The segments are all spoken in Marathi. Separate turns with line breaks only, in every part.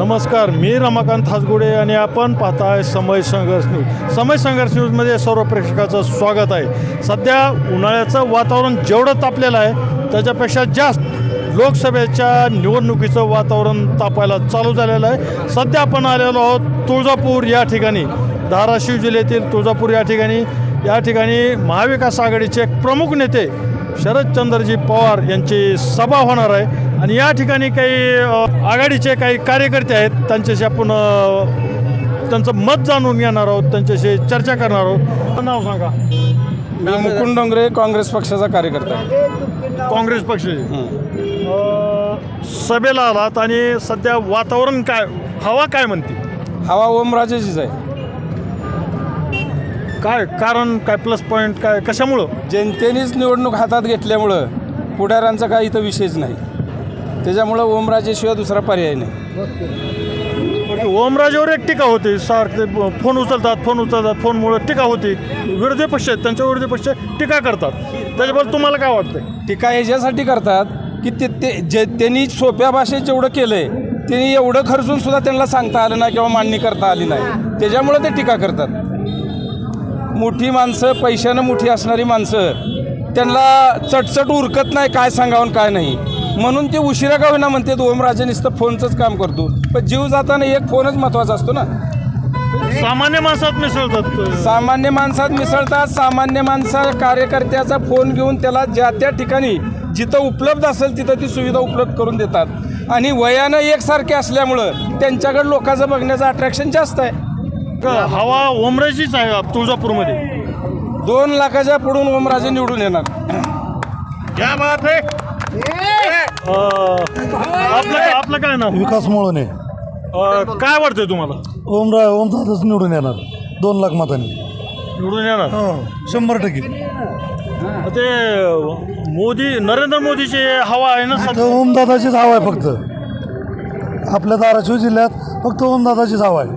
नमस्कार, मी रमाकांत हासगुडे आणि आपण पाहताय समय संघर्ष न्यूज. समय संघर्ष न्यूजमध्ये सर्व प्रेक्षकाचं स्वागत आहे. सध्या उन्हाळ्याचं वातावरण जेवढं तापलेलं आहे त्याच्यापेक्षा जास्त लोकसभेच्या निवडणुकीचं वातावरण तापायला चालू झालेलं आहे. सध्या आपण आलेलो आहोत तुळजापूर या ठिकाणी, धाराशिव जिल्ह्यातील तुळजापूर या ठिकाणी महाविकास आघाडीचे एक प्रमुख नेते शरदचंद्रजी पवार यांची सभा होणार आहे आणि या ठिकाणी काही आघाडीचे काही कार्यकर्ते आहेत, त्यांच्याशी आपण त्यांचं मत जाणून घेणार आहोत, त्यांच्याशी चर्चा करणार आहोत. नाव सांगा.
मी मुकुंद डोंगरे, काँग्रेस पक्षाचा कार्यकर्ता आहे.
काँग्रेस पक्षाचे सभेला आलात आणि सध्या वातावरण काय, हवा काय म्हणते?
हवा ओमराजेचीच आहे.
काय कारण, काय प्लस पॉईंट, काय कशामुळं?
जनतेनेच निवडणूक हातात घेतल्यामुळं पुढाऱ्यांचा काय इथं विषयच नाही. त्याच्यामुळं ओमराजेशिवाय दुसरा पर्याय नाही.
ओमराजेवर एक टीका होती, सारखे फोन उचलतात, फोनमुळे टीका होती. विरोधी पक्ष आहेत, त्यांच्या विरोधी पक्ष टीका करतात. त्याच्याबद्दल तुम्हाला काय वाटतं?
टीका याच्यासाठी करतात की त्यांनी सोप्या भाषेत जेवढं केलं आहे त्यांनी एवढं खर्चून सुद्धा त्यांना सांगता आलं नाही किंवा मांडणी करता आली नाही. त्याच्यामुळं ते टीका करतात. मोठी माणसं, पैशानं मोठी असणारी माणसं, त्यांना चटचट उरकत नाही काय सांगावं काय नाही, म्हणून ते उशिरा का होईना म्हणते ओमराजे नुसतं फोनचंच काम करतो. पण जीव जाताना एक फोनच महत्त्वाचा असतो ना.
सामान्य माणसात मिसळतात.
सामान्य माणसात मिसळतात. सामान्य माणसा कार्यकर्त्याचा फोन घेऊन त्याला ज्या त्या ठिकाणी जिथं उपलब्ध असेल तिथं ती सुविधा उपलब्ध करून देतात. आणि वयानं एकसारखे असल्यामुळं त्यांच्याकडे लोकांचं बघण्याचं अट्रॅक्शन जास्त आहे.
हवा ओमराजेचीच आहे तुळजापूरमध्ये.
2 लाखाच्या पुढून ओमराजे निवडून येणार.
क्या बात आहे. आपलं काय नाव?
विकास मोळने.
काय वाटतंय तुम्हाला?
ओमदादाच निवडून येणार 2 लाख मतांनी
निवडून येणार
100%.
ते नरेंद्र मोदीची हवा आहे ना
तर ओमदादाचीच हवा आहे. फक्त आपल्या धाराशिव जिल्ह्यात फक्त ओमदादाचीच हवा आहे.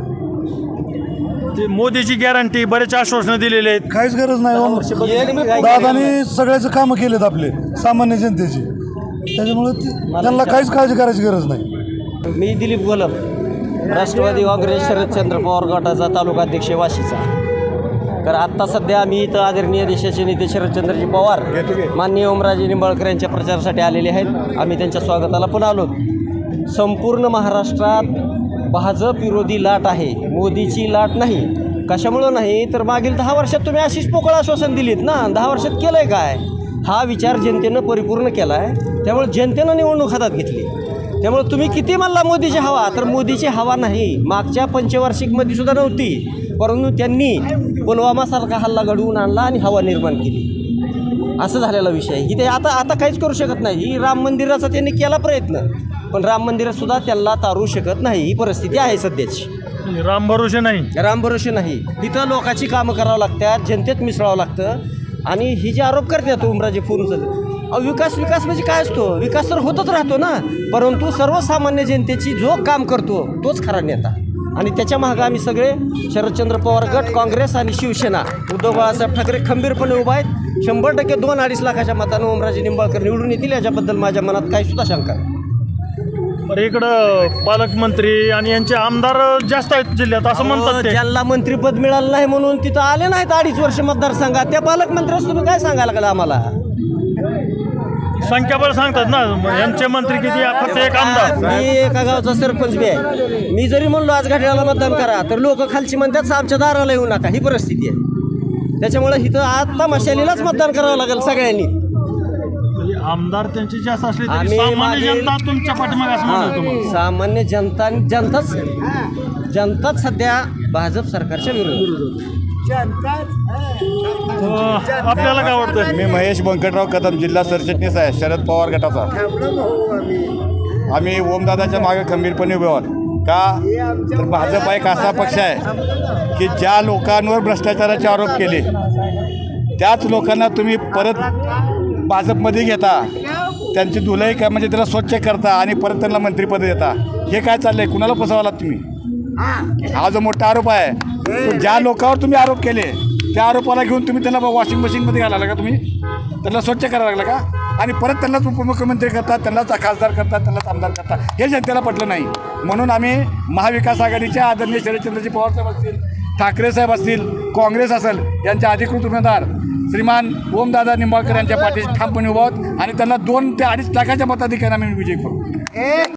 ते मोदीची गॅरंटी, बरेच आश्वासनं दिलेले आहेत.
काहीच गरज नाही. दादानी सगळ्याचे कामं केलेत आपले सामान्य जनतेची, त्याच्यामुळे त्यांना काहीच काळजी करायची गरज नाही.
मी दिलीप गोलप, राष्ट्रवादी काँग्रेस शरदचंद्र पवार गटाचा तालुका अध्यक्ष वाशीचा. तर आत्ता सध्या आम्ही इथं आदरणीय देशाचे नेते शरदचंद्रजी पवार, माननीय ओमराजे निंबाळकर यांच्या प्रचारासाठी आलेले आहेत. आम्ही त्यांच्या स्वागताला पण आलो. संपूर्ण महाराष्ट्रात भाजप विरोधी लाट आहे, मोदीची लाट नाही. कशामुळं नाही तर मागील 10 वर्षात तुम्ही अशीच पोकळ आश्वासन दिलीत ना. 10 वर्षात केलं आहे काय? हा विचार जनतेनं परिपूर्ण केला आहे. त्यामुळे जनतेनं निवडणूक हातात घेतली. त्यामुळे तुम्ही किती म्हणला मोदीची हवा, तर मोदीची हवा नाही. मागच्या पंचवार्षिकमध्ये सुद्धा नव्हती, परंतु त्यांनी पुलवामासारखा हल्ला घडवून आणला आणि हवा निर्माण केली. असं झालेला विषय. ही ते आता काहीच करू शकत नाही. ही राम मंदिराचा त्यांनी केला प्रयत्न, पण राम मंदिरातसुद्धा त्यांना तारू शकत नाही. ही परिस्थिती आहे सध्याची.
राम भरोसे
नाही. इथं लोकांची कामं करावं लागतात, जनतेत मिसळावं लागतं. आणि ही जे आरोप करतात ओमराजे फोनचं, विकास म्हणजे काय असतो? विकास तर होतच राहतो ना, परंतु सर्वसामान्य जनतेची जो काम करतो तोच खरा नेता. आणि त्याच्या मागं आम्ही सगळे शरदचंद्र पवार गट, काँग्रेस आणि शिवसेना, उद्धव बाळासाहेब ठाकरे खंबीरपणे उभा आहेत. 100% 2-2.5 लाखाच्या मतानं ओमराजे निंबाळकर निवडून येतील, याच्याबद्दल माझ्या मनात काही सुद्धा शंका नाही.
बरं, इकडं पालकमंत्री आणि यांचे आमदार जास्त आहेत जिल्ह्यात असं म्हणतात.
ज्यांना मंत्रिपद मिळालं नाही म्हणून तिथं आले नाहीत 2.5 वर्ष मतदारसंघात, त्या पालकमंत्र्यास तुम्ही काय सांगायला लागला आम्हाला?
संख्याबळ सांगतात ना, यांचे मंत्री किती, फक्त एक आमदार.
मी एका गावचा सरपंच बी आहे. मी जरी म्हणलो आज घड्याळाला मतदान करा, तर लोक खालची म्हणतात आमच्या दाराला येऊ नका. ही परिस्थिती आहे. त्याच्यामुळे इथं आता मशालीलाच मतदान करावं लागेल सगळ्यांनी.
आमदार त्यांची जास्त असली तरी सामान्य जनता तुमच्या पाठीमागे असं म्हणतो तुम्हाला.
सामान्य जनताच सध्या भाजप सरकारच्या विरोधात.
आपल्याला काय वाटतं?
मी महेश व्यंकटराव कदम, जिल्हा सरचिटणीस आहे शरद पवार गटाचा. आम्ही ओमदादाच्या मागे खंबीरपणे उभे आहोत. का तर भाजप एक असा पक्ष आहे की ज्या लोकांवर भ्रष्टाचाराचे आरोप केले त्याच लोकांना तुम्ही परत भाजपमध्ये घेता, त्यांची धुलाई का म्हणजे त्याला स्वच्छ करता आणि परत त्यांना मंत्रिपद देता. हे काय चाललं आहे? कुणाला फसवालात तुम्ही? हा जो मोठा आरोप आहे, तो ज्या लोकांवर तुम्ही आरोप केले त्या आरोपाला घेऊन तुम्ही त्यांना वॉशिंग मशीनमध्ये घालायला का? तुम्ही त्यांना स्वच्छ करायला लागला का? आणि परत त्यांनाच उपमुख्यमंत्री करतात, त्यांनाच खासदार करतात, त्यांनाच आमदार करतात. हे जनतेला पटलं नाही. म्हणून आम्ही महाविकास आघाडीच्या आदरणीय शरदचंद्रजी पवार साहेब असतील, ठाकरे साहेब असतील, काँग्रेस असेल, यांचे अधिकृत उमेदवार श्रीमान ओमदादा निंबाळकर यांच्या पाठीशी ठामपणे उभा आहोत आणि त्यांना 2 ते 2.5 लाखाच्या मताधिक्याने आम्ही विजयी करू.